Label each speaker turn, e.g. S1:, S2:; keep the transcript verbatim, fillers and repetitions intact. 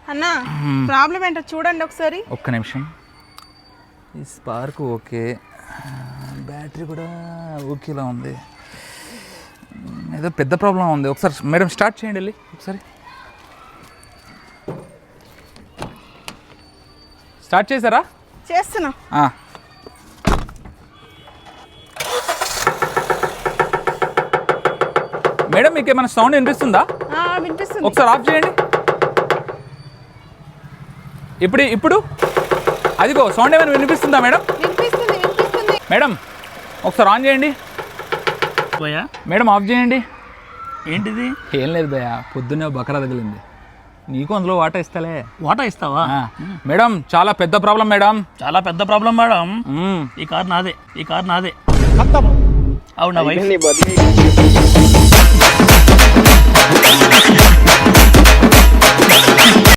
S1: అన్నా ప్రాబ్లం ఏంటో చూడండి ఒకసారి.
S2: ఒక్క నిమిషం. ఈ స్పార్క్ ఓకే, బ్యాటరీ కూడా ఓకేలా ఉంది. ఏదో పెద్ద ప్రాబ్లం ఉంది. ఒకసారి మేడం స్టార్ట్ చేయండి వెళ్ళి ఒకసారి. స్టార్ట్ చేశారా?
S1: చేస్తున్నా.
S2: మేడం మీకు ఏమైనా సౌండ్ వినిపిస్తుందా?
S1: వినిపిస్తుంది.
S2: ఒకసారి ఆఫ్ చేయండి. ఇప్పుడు ఇప్పుడు అదిగో సౌండ్ ఏమైనా వినిపిస్తుందా మేడం?
S1: వినిపిస్తుంది వినిపిస్తుంది.
S2: మేడం ఒకసారి ఆన్ చేయండి.
S3: భయ్యా
S2: మేడం ఆఫ్ చేయండి.
S3: ఏంటిది?
S2: ఏం లేదు భయ్యా, పొద్దున్నే బకరా తగిలింది. నీకు అందులో వాటా ఇస్తలే.
S3: వాటా ఇస్తావా?
S2: మేడం చాలా పెద్ద ప్రాబ్లం మేడం.
S3: చాలా పెద్ద ప్రాబ్లం మేడం. ఈ కార్ నాదే, ఈ కార్ నాదే. అవునా వైఫ్?